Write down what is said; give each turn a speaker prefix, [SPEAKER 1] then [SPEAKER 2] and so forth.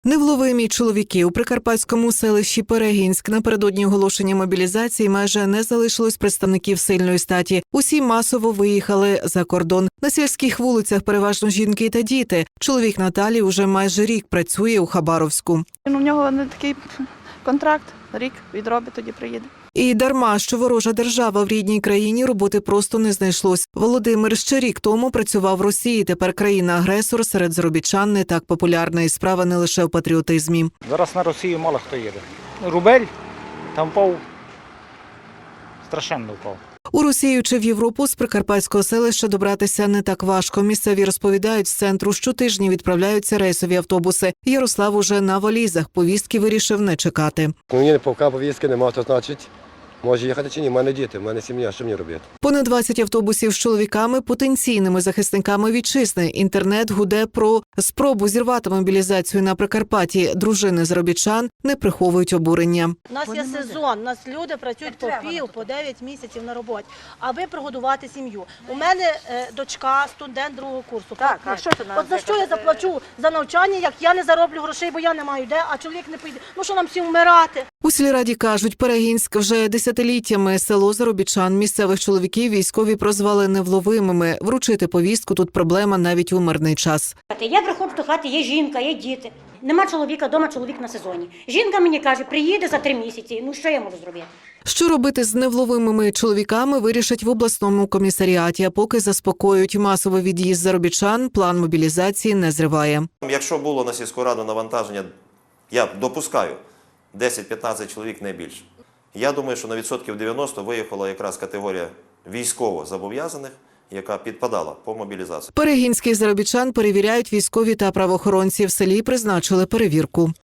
[SPEAKER 1] Невловимі чоловіки у прикарпатському селищі Перегінськ напередодні оголошення мобілізації майже не залишилось представників сильної статі. Усі масово виїхали за кордон. На сільських вулицях переважно жінки та діти. Чоловік Наталі уже майже рік працює у Хабаровську.
[SPEAKER 2] У нього не такий контракт, рік відробить, тоді приїде.
[SPEAKER 1] І дарма, що ворожа держава в рідній країні, роботи просто не знайшлось. Володимир ще рік тому працював в Росії, тепер країна-агресор серед заробітчан не так популярна, і справа не лише в патріотизмі.
[SPEAKER 3] Зараз на Росію мало хто їде. Рубель там впав, страшенно впав.
[SPEAKER 1] У Росію чи в Європу з прикарпатського селища добратися не так важко. Місцеві розповідають, з центру щотижні відправляються рейсові автобуси. Ярослав уже на валізах, повістки вирішив не чекати.
[SPEAKER 4] Мені поки повістки немає, то значить, може їхати чи ні, в мене діти, в мене сім'я, що мені робити?
[SPEAKER 1] Понад 20 автобусів з чоловіками, потенційними захисниками вітчизни. Інтернет гуде про спробу зірвати мобілізацію на Прикарпатті. Дружини заробітчан не приховують обурення.
[SPEAKER 5] У нас є сезон, у нас люди працюють по 9 місяців на роботі, аби прогодувати сім'ю. У мене дочка, студент другого курсу.
[SPEAKER 6] Так, а що ти
[SPEAKER 5] От за що я заплачу за навчання, як я не зароблю грошей, бо я не маю де, а чоловік не поїде. Ну що нам всім вмирати?
[SPEAKER 1] У сільраді кажуть, Перегінськ вже десятиліттями село заробітчан. Місцевих чоловіків військові прозвали невловимими. Вручити повістку тут проблема навіть у мирний час.
[SPEAKER 7] Я приходжу до хати, є жінка, є діти. Нема чоловіка, вдома чоловік на сезоні. Жінка мені каже, приїде за 3 місяці. Ну що я можу зробити?
[SPEAKER 1] Що робити з невловимими чоловіками, вирішать в обласному комісаріаті. А поки заспокоюють масовий від'їзд заробітчан, план мобілізації не зриває.
[SPEAKER 8] Якщо було на сільську раду навантаження, я допускаю, 10-15 чоловік не більше. Я думаю, що на відсотків 90 виїхала якраз категорія військово зобов'язаних, яка підпадала по мобілізації.
[SPEAKER 1] Перегінських заробітчан перевіряють військові та правоохоронці. В селі призначили перевірку.